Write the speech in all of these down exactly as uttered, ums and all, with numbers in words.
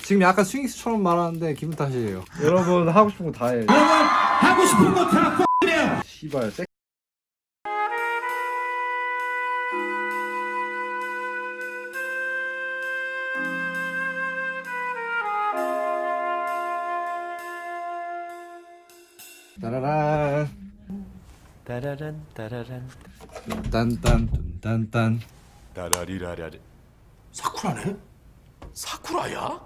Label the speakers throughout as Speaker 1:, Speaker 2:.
Speaker 1: 지금 약간 스윙스처럼 말하는데 기분 탓이에요. 여러분 하고 싶은 거 다 해.
Speaker 2: 여러분 하고 싶은 거 다 X래요.
Speaker 1: 씨발 섹. 따라란
Speaker 3: 따라란 따라란
Speaker 1: 딴딴 딴딴.
Speaker 3: 따라리라라리.
Speaker 2: 사쿠라네? 사쿠라야?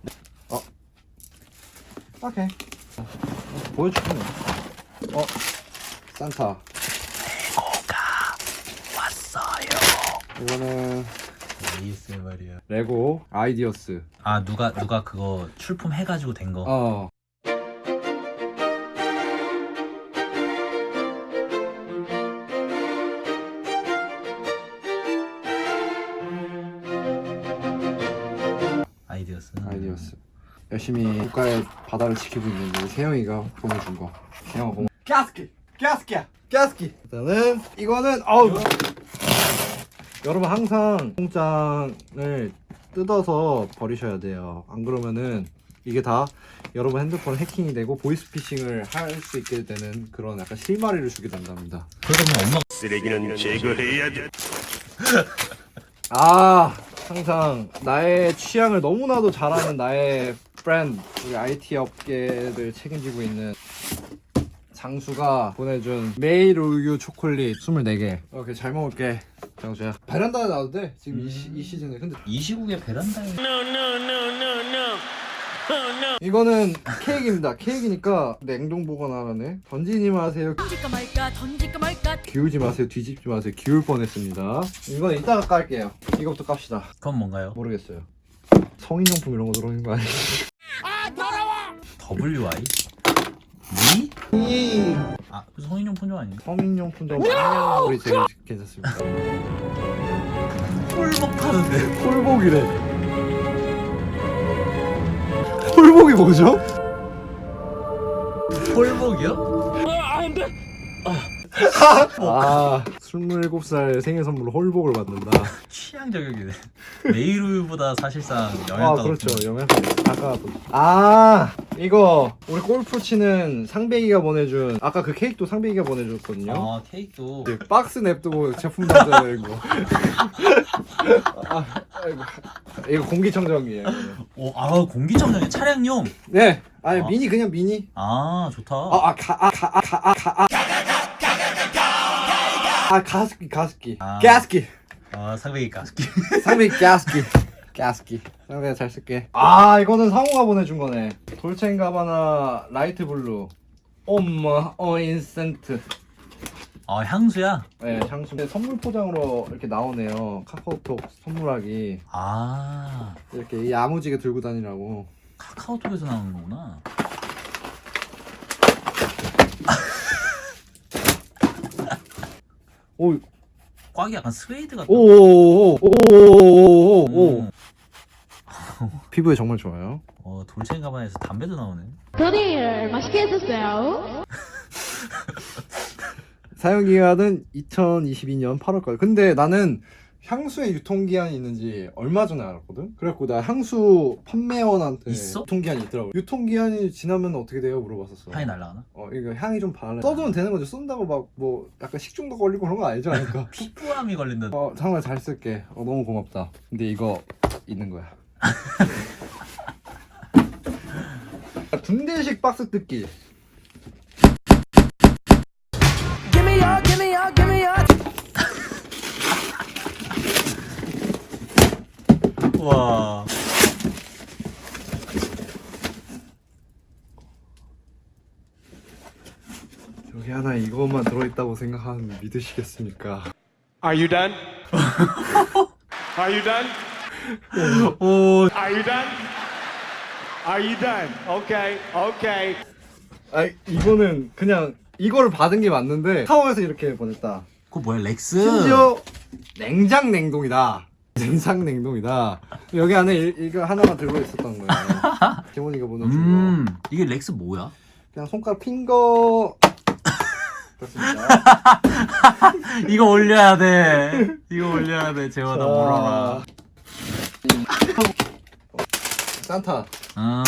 Speaker 1: 오케이. 보여줄게. 어, 산타.
Speaker 3: 레고가 왔어요.
Speaker 1: 이거는
Speaker 3: 에이스 말이야.
Speaker 1: 레고 아이디어스.
Speaker 3: 아 누가 누가 그거 출품해가지고 된 거.
Speaker 1: 어.
Speaker 3: 아이디어스.
Speaker 1: 아이디어스. 열심히 국가의 바다를 지키고 있는 우리 세영이가 보내준 거. 세영아 고마워. 가스키, 가스키, 가스키. 일단은 이거는 어우. 여러분 항상 통장을 뜯어서 버리셔야 돼요. 안 그러면은 이게 다 여러분 핸드폰 해킹이 되고 보이스피싱을 할 수 있게 되는 그런 약간 실마리를 주게 된답니다.
Speaker 3: 그러면 엄마
Speaker 4: 쓰레기는 제거해야 돼.
Speaker 1: 아 항상 나의 취향을 너무나도 잘 아는 나의 프렌드 우리 아이티 업계를 책임지고 있는 장수가 보내준 메일 우유 초콜릿 스물네 개. 오케이 잘 먹을게 장수야. 베란다에 놔도 돼 지금 이, 시, 이 시즌에. 근데
Speaker 3: 이 시국에 베란다에.
Speaker 1: 이거는 케이크입니다. 케이크니까 냉동 보관하라네. 던지지 마세요.
Speaker 5: 던질까 말까 던질까 말까.
Speaker 1: 기울지 마세요. 뒤집지 마세요. 기울 뻔했습니다. 이거는 이따가 깔게요. 이거부터 깝시다.
Speaker 3: 그건 뭔가요?
Speaker 1: 모르겠어요. 성인용품 이런 거 들어오는 거 아니에요?
Speaker 3: 더블유 아이? 미? 아 성인용품 좀 아니에요?
Speaker 1: 성인용품도 많이 우리 제일 괜찮습니다.
Speaker 3: 홀복하는데.
Speaker 1: 홀복이래. 홀복이 뭐죠?
Speaker 3: 홀복이요?
Speaker 1: 아, 스물일곱 살 생일 선물로 홀복을 받는다.
Speaker 3: 취향 저격이네. 메일 우유보다 사실상
Speaker 1: 아,
Speaker 3: 영양가
Speaker 1: 그렇죠.
Speaker 3: 높은.
Speaker 1: 영양. 아까 아, 이거 우리 골프 치는 상배기가 보내준 아까 그 케이크도 상배기가 보내줬거든요.
Speaker 3: 아 케이크도.
Speaker 1: 이제 박스 냅두고 제품 받아야 이거. 아, 아이고. 이거 공기청정기예요.
Speaker 3: 오, 아 공기청정기 차량용.
Speaker 1: 네, 아니
Speaker 3: 아.
Speaker 1: 미니 그냥 미니.
Speaker 3: 아 좋다.
Speaker 1: 아, 아, 가, 아, 가, 아, 가, 아, 가, 아. 아, 가습기, 가습기.
Speaker 3: 아.
Speaker 1: 가습기.
Speaker 3: 아 상백이 가스키.
Speaker 1: 상비 가습기. 가습기. 상비가 잘 쓸게. 아, 이거는 상호가 보내준 거네. 돌체인가바나 라이트 블루. 엄마, 어, 인센트.
Speaker 3: 아 향수야?
Speaker 1: 네, 향수. 선물 포장으로 이렇게 나오네요. 카카오톡 선물하기.
Speaker 3: 아
Speaker 1: 이렇게 야무지게 들고 다니라고.
Speaker 3: 카카오톡에서 나오는 거구나.
Speaker 1: 오,
Speaker 3: 꽉이 약간 스웨이드 같다.
Speaker 1: 오오오오오오오오.
Speaker 3: 음.
Speaker 1: 피부에 정말 좋아요.
Speaker 3: 어 돌체인가바나에서 담배도 나오네.
Speaker 5: 드릴 맛있게 해주세요.
Speaker 1: 사용 기한은 이천이십이 년 팔월까지. 근데 나는 향수의 유통기한이 있는지 얼마 전에 알았거든? 그래갖고 나 향수 판매원한테
Speaker 3: 있어?
Speaker 1: 유통기한이 있더라고. 유통기한이 지나면 어떻게 돼요? 물어봤었어.
Speaker 3: 향이 날라가나?
Speaker 1: 어, 이거 향이 좀 발라. 써주면 되는 거죠. 쓴다고 막 뭐 약간 식중독 걸리고 그런 거 아니죠? 그러니까.
Speaker 3: 피부암이 걸린다.
Speaker 1: 어, 정말 잘 쓸게. 어, 너무 고맙다. 근데 이거 있는 거야. 군대식 박스 뜯기.
Speaker 3: 와.
Speaker 1: 여기 하나 이것만 들어있다고 생각하면 믿으시겠습니까?
Speaker 4: Are you done? Are you done?
Speaker 3: 오.
Speaker 4: Are you done? Are you done? Okay, okay.
Speaker 1: 아 이거는 그냥 이거를 받은 게 맞는데 타워에서 이렇게 보냈다.
Speaker 3: 그거 뭐야 렉스?
Speaker 1: 심지어 냉장 냉동이다. 냉장 냉동이다. 여기 안에 이, 이거 하나만 들고 있었던 거예요. 재원이가 보내준
Speaker 3: 음
Speaker 1: 거.
Speaker 3: 이게 렉스 뭐야?
Speaker 1: 그냥 손가락 핑거. 그렇습니다.
Speaker 3: 이거 올려야 돼. 이거 올려야 돼. 재원아
Speaker 1: 자.
Speaker 3: 물어라.
Speaker 1: 산타.
Speaker 3: 아.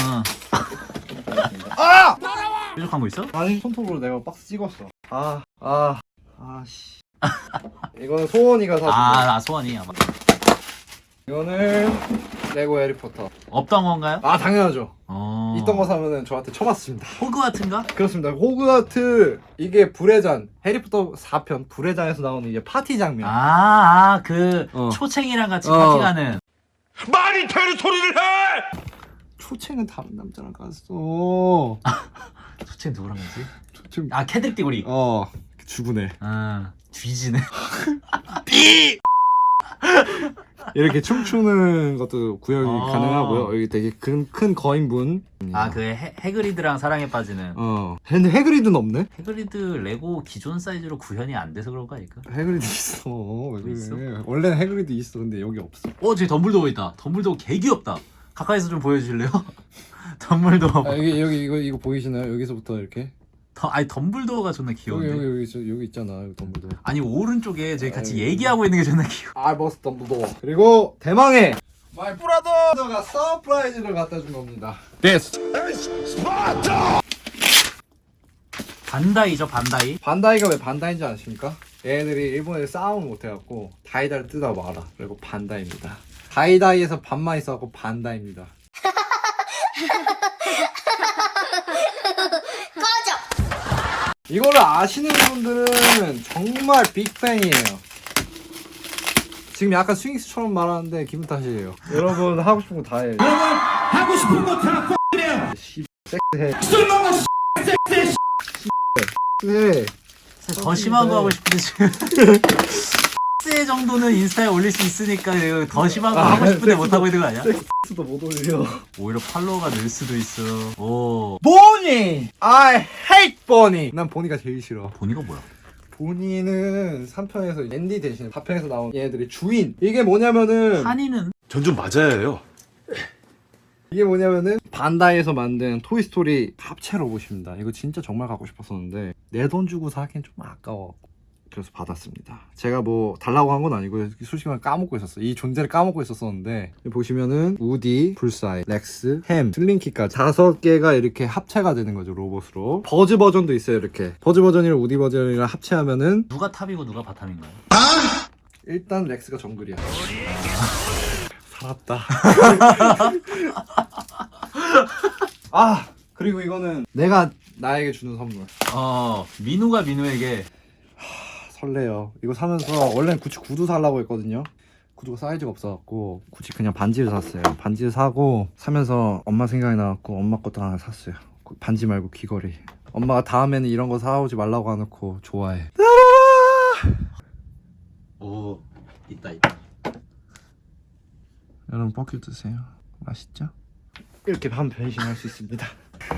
Speaker 1: 아!
Speaker 3: 뾰족한 거 있어?
Speaker 1: 아니 손톱으로 내가 박스 찍었어. 아, 아, 아씨. 이거는 소원이가 사준
Speaker 3: 아,
Speaker 1: 거.
Speaker 3: 나 소원이. 아마.
Speaker 1: 이거는 레고 해리포터.
Speaker 3: 없던 건가요?
Speaker 1: 아 당연하죠.
Speaker 3: 어.
Speaker 1: 있던 거 사면은 저한테 쳐맞습니다.
Speaker 3: 호그와트인가?
Speaker 1: 그렇습니다. 호그와트 이게 불의 잔 해리포터 사 편 불의 잔에서 나오는 이제 파티 장면.
Speaker 3: 아, 아, 그
Speaker 1: 어.
Speaker 3: 초챙이랑 같이
Speaker 1: 어.
Speaker 3: 파티 가는.
Speaker 2: 말이 되는 소리를 해!
Speaker 1: 초챙은 다른 남자랑 갔어.
Speaker 3: 초챙 누구랑 가지?
Speaker 1: 초챙
Speaker 3: 아, 캐들 띠구리.
Speaker 1: 어 죽으네.
Speaker 3: 아, 뒤지네.
Speaker 1: 이렇게 춤추는 것도 구역이
Speaker 3: 아.
Speaker 1: 가능하고요. 여기 되게 큰, 큰 거인분.
Speaker 3: 아, 그 해, 해그리드랑 사랑에 빠지는.
Speaker 1: 어. 근데 해그리드는 없네?
Speaker 3: 해그리드 레고 기존 사이즈로 구현이 안 돼서 그런 거 아닐까?
Speaker 1: 해그리드 있어. 왜 그래?
Speaker 3: 있어?
Speaker 1: 원래는 해그리드 있어. 근데 여기 없어.
Speaker 3: 어, 저기 덤블도어 있다. 덤블도어 개 귀엽다. 가까이서 좀 보여주실래요? 덤블도어.
Speaker 1: 아, 여기 여기 이거 이거 보이시나요? 여기서부터 이렇게.
Speaker 3: 더, 아니 덤블도어가 존나
Speaker 1: 여기
Speaker 3: 귀여운데.
Speaker 1: 여기 여기 저, 여기 있잖아. 여기 덤블도.
Speaker 3: 아니 오른쪽에 저희 같이
Speaker 1: 아유.
Speaker 3: 얘기하고 있는 게 존나 귀여워.
Speaker 1: 알버스 덤블도. 그리고 대망의 마이 브라더가 서프라이즈를 갖다 준 겁니다. 데스.
Speaker 3: 반다이죠, 반다이.
Speaker 1: 반다이가 왜 반다이인지 아십니까? 얘네들이 일본에 싸움을 못해갖고 다이다를 뜯어 말아. 그리고 반다이입니다. 다이다이에서 반만 있어갖고 반다이입니다. 이거를 아시는 분들은 정말 빅팬이에요. 지금 약간 스윙스처럼 말하는데 기분 탓이에요. 여러분 하고 싶은 거 다 해요.
Speaker 2: 여러분 하고 싶은 거 다 X래요.
Speaker 1: 씨, 섹스해.
Speaker 2: 술 먹어 섹스해.
Speaker 1: 섹스해.
Speaker 3: 더 심한 거 하고 싶은데 지금. 세 정도는 인스타에 올릴 수 있으니까 이거 더 심한 거
Speaker 1: 아,
Speaker 3: 하고 싶은데
Speaker 1: 섹스-
Speaker 3: 못 하고 있는 거 아니야?
Speaker 1: 섹스도 못 올려.
Speaker 3: 오히려 팔로워가 늘 수도 있어. 오.
Speaker 1: 보니! I hate 보니! 난 보니가 제일 싫어.
Speaker 3: 보니가 뭐야?
Speaker 1: 보니는 삼 편에서 앤디 대신 사 편에서 나온 얘네들이 주인. 이게 뭐냐면은
Speaker 3: 한이는
Speaker 2: 전 좀 맞아요.
Speaker 1: 이게 뭐냐면은 반다이에서 만든 토이스토리 합체 로봇입니다. 이거 진짜 정말 갖고 싶었었는데 내 돈 주고 사기엔 좀 아까워. 그래서 받았습니다. 제가 뭐 달라고 한 건 아니고 솔직히 말 까먹고 있었어. 이 존재를 까먹고 있었었는데 보시면은 우디, 불사이, 렉스, 햄, 슬링키까지 다섯 개가 이렇게 합체가 되는 거죠, 로봇으로. 버즈 버전도 있어요. 이렇게 버즈 버전이랑 우디 버전이랑 합체하면은
Speaker 3: 누가 탑이고 누가 바텀인가요?
Speaker 1: 일단 렉스가 정글이야. 살았다. 아 그리고 이거는 내가 나에게 주는 선물.
Speaker 3: 어, 민우가 민우에게.
Speaker 1: 설레요. 이거 사면서 원래는 구찌 구두 살라고 했거든요. 구두가 사이즈가 없어갖고 구찌 그냥 반지를 샀어요. 반지를 사고 사면서 엄마 생각이 나갖고 엄마 것도 하나 샀어요. 반지 말고 귀걸이. 엄마가 다음에는 이런 거 사오지 말라고 해놓고 좋아해.
Speaker 3: 오, 있다 있다.
Speaker 1: 여러분 뻐큐 드세요. 맛있죠? 이렇게 반 변신할 수 있습니다.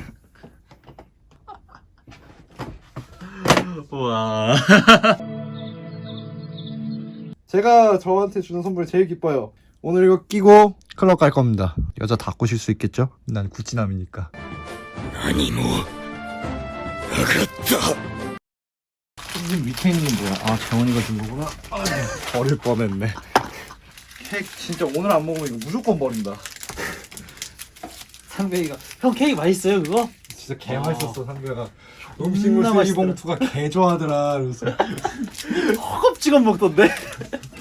Speaker 3: 우와.
Speaker 1: 제가 저한테 주는 선물이 제일 기뻐요. 오늘 이거 끼고 클럽 갈 겁니다. 여자 다 꼬실 수 있겠죠? 난 구찌남이니까.
Speaker 2: 아니 뭐 알았다.
Speaker 1: 지금 밑에 있는 게 뭐야? 아 재원이가 준 거구나. 아, 버릴 뻔했네. 케이크 진짜 오늘 안 먹으면 이거 무조건 버린다.
Speaker 3: 상배이가 형 케이크 맛있어요 그거?
Speaker 1: 진짜 개
Speaker 3: 아.
Speaker 1: 맛있었어 상배가. 음식물 쓰레기
Speaker 3: 맛있더라.
Speaker 1: 봉투가 개 좋아하더라. 그래서
Speaker 3: 허겁지겁 먹던데?